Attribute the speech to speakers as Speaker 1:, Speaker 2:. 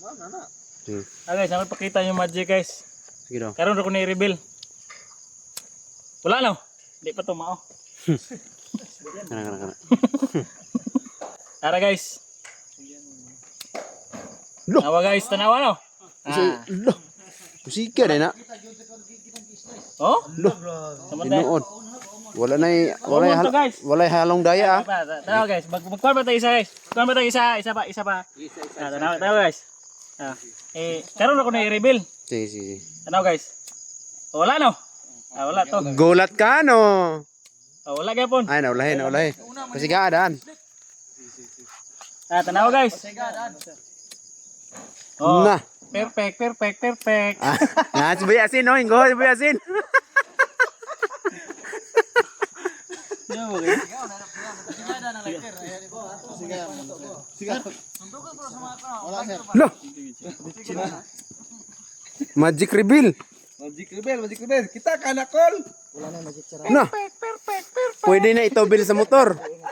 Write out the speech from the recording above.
Speaker 1: Guys, ako pakita yung magic guys.
Speaker 2: Sige daw.
Speaker 1: Karon ako na-reveal. Wala no. Di pa to mao.
Speaker 2: Kana.
Speaker 1: Tara guys.
Speaker 2: Lo.
Speaker 1: Tanawa guys, tanawa no.
Speaker 2: Lo. Musika na.
Speaker 1: Oh?
Speaker 2: Lo.
Speaker 1: Samantay.
Speaker 2: Tinuod. Wala
Speaker 1: Kumunto, guys.
Speaker 2: wala halong daya ah.
Speaker 1: Tanawa guys, magkuhan ba tayo isa guys? Kuhan ba tayo isa pa. Tanawa guys. Karon ako na-reveal.
Speaker 2: Sige.
Speaker 1: Tanawa guys. Wala no. Wala to.
Speaker 2: Gulat ka no.
Speaker 1: Wala gyapon.
Speaker 2: Ay naulahin. Pasigadaan.
Speaker 1: Tanawa guys.
Speaker 2: Na.
Speaker 1: Perfect.
Speaker 2: Nah, si Asin no, ingo si Asin. Loh. Magic reveal. Kita kanakol. Wala na magic sarap. Nah. Pwede na ito bil sa motor.